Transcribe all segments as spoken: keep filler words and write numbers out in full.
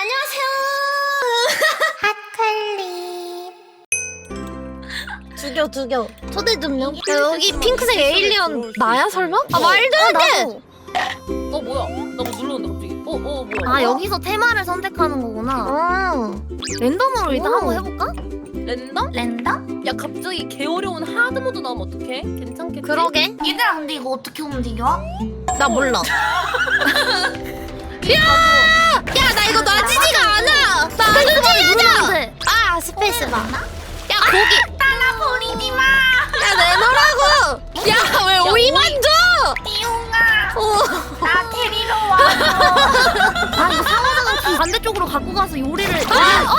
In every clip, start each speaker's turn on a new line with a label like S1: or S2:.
S1: 안녕하세요. 핫칼리. 죽여 죽여. 초대 좀요. 야, 여기 핑크색 에일리언 나야 설마? 아 말도 안 돼.
S2: 어 뭐야? 나 뭐 눌렀는데 갑자기. 어 어 뭐야?
S3: 아 여기서 테마를 선택하는 거구나.
S1: 아.
S3: 랜덤으로 일단
S1: 오.
S3: 한번 해볼까?
S2: 랜덤?
S3: 랜덤?
S2: 야 갑자기 개 어려운 하드 모드 나오면 어떡해? 괜찮겠지?
S1: 그러게.
S3: 얘들아 근데 이거 어떻게 움직여?
S1: 나 몰라. 야! 야, 나 이거 놔지지가 않아. 나 안 움직여져.
S3: 돼.
S1: 아, 스페이스바. 야, 고기.
S3: 따라 버리지 마.
S1: 야, 내놓으라고. 야, 왜 오이만 줘?
S3: 띠용아.
S1: 어.
S3: 나 데리러 와. 아 이거 상호작은 좀 반대쪽으로 갖고 가서 요리를.
S2: 야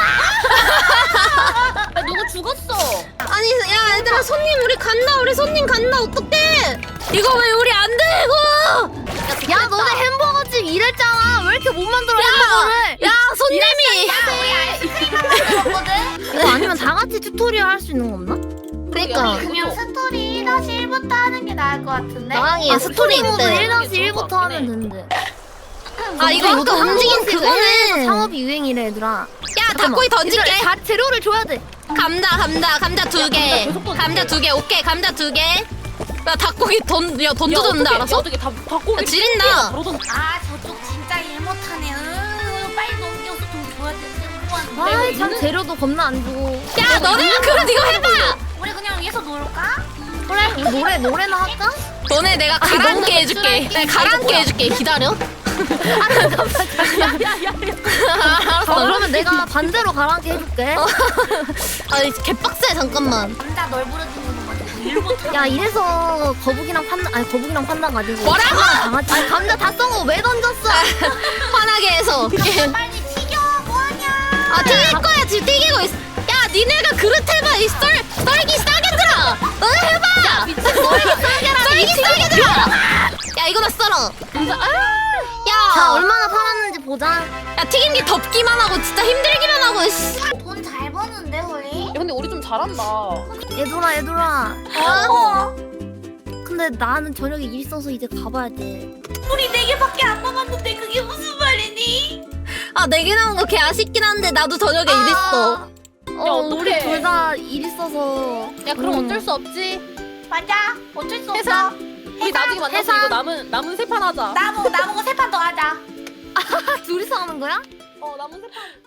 S2: 누구 죽었어?
S1: 아니, 야, 얘들아, 손님 우리 간다. 우리 손님 간다. 어떡해? 이거 왜 우리 안 되고?
S3: 야 너네 햄버거집 일했잖아. 왜 이렇게 못 만들어 햄버거를?
S1: 야, 손님이.
S3: 우리 아이스크림 하나 먹었거든. 이거 아니면 다 같이 튜토리얼 할 수 있는 거 없나?
S1: 그러니까.
S3: 그냥 스토리 일 다시 일부터 하는 게 나을 것 같은데?
S1: 나랑이
S3: 아,
S1: 스토리
S3: 모드
S1: 있대.
S3: 일 다시 일부터 하면 되는데.
S1: 아, 이거 아까 움직인 그거는.
S3: 상업이 유행이래 얘들아.
S1: 야, 닭고기 던질게.
S3: 얘들아, 다 재료를 줘야 돼.
S1: 감자, 감자, 감자 두 개.
S2: 계속 던질게.
S1: 감자 두 개. 오케이, 감자 두 개. 나 닭고기 던, 야, 던져줬는데 알았어?
S2: 어떻게 다 바꾸기?
S1: 야, 지린다.
S2: 바로 던.
S3: 아 저쪽 진짜 일 못하네. 으, 빨리 넘겨서 좀 줘야 돼.
S2: 내가
S3: 아참
S2: 있는-
S3: 재료도 겁나 안 주고.
S1: 야, 너네가 그럼 이거 해봐.
S3: 우리 그냥 위에서 놀까? 그래. 우리 노래 노래나 할까?
S1: 너네 내가 가라앉게 해줄게. 내가 가라앉게 해줄게. 기다려.
S3: 아, 그러면 내가 반대로 가라앉게 해줄게.
S1: 아니, 개빡세, 잠깐만.
S3: 남자 널 부르는 거 가지고 일 못하는. 야 이래서 거북이랑 판다 아니 거북이랑 판다 가지고.
S1: 뭐라고?
S3: 강아지. 아니 감자 다 썩어 왜 던졌어?
S1: 화나게 해서.
S3: 빨리 튀겨 뭐하냐?
S1: 아, 튀길 거야. 지금 튀기고 있어. 야, 니네가 그릇 해봐. 이 썰, 썰기 싸게 들어. 너네 해봐. 미친 썰기 싸게 라 썰기 싸게 들어. 야, 이거나 썰어.
S3: 자
S1: 야,
S3: 얼마나 팔았는지 보자.
S1: 야, 튀김기 덮기만 하고 진짜 힘들기만 하고. 씨.
S3: 돈 잘 버는데 우리?
S2: 야 근데 우리 좀 잘한다.
S3: 얘들아 얘들아.
S1: 어?
S3: 근데 나는 저녁에 일 있어서 이제 가봐야 돼. 우리 네 개밖에 안 남았는데 그게 무슨 말이니?
S1: 아, 네 개 나온 거 개 아쉽긴 한데 나도 저녁에 일 있어.
S3: 어
S2: 어떡해.
S3: 우리 둘 다 일 있어서.
S2: 야 그럼
S3: 음.
S2: 어쩔 수 없지.
S3: 맞아. 어쩔 수
S2: 해산.
S3: 없어.
S2: 우리 나중에 만나서
S3: 해산.
S2: 이거 남은 남은 세 판 하자.
S3: 나보고 나보고 세 판 더 하자. 둘이서 하는 거야?
S2: 어 남은 세 판.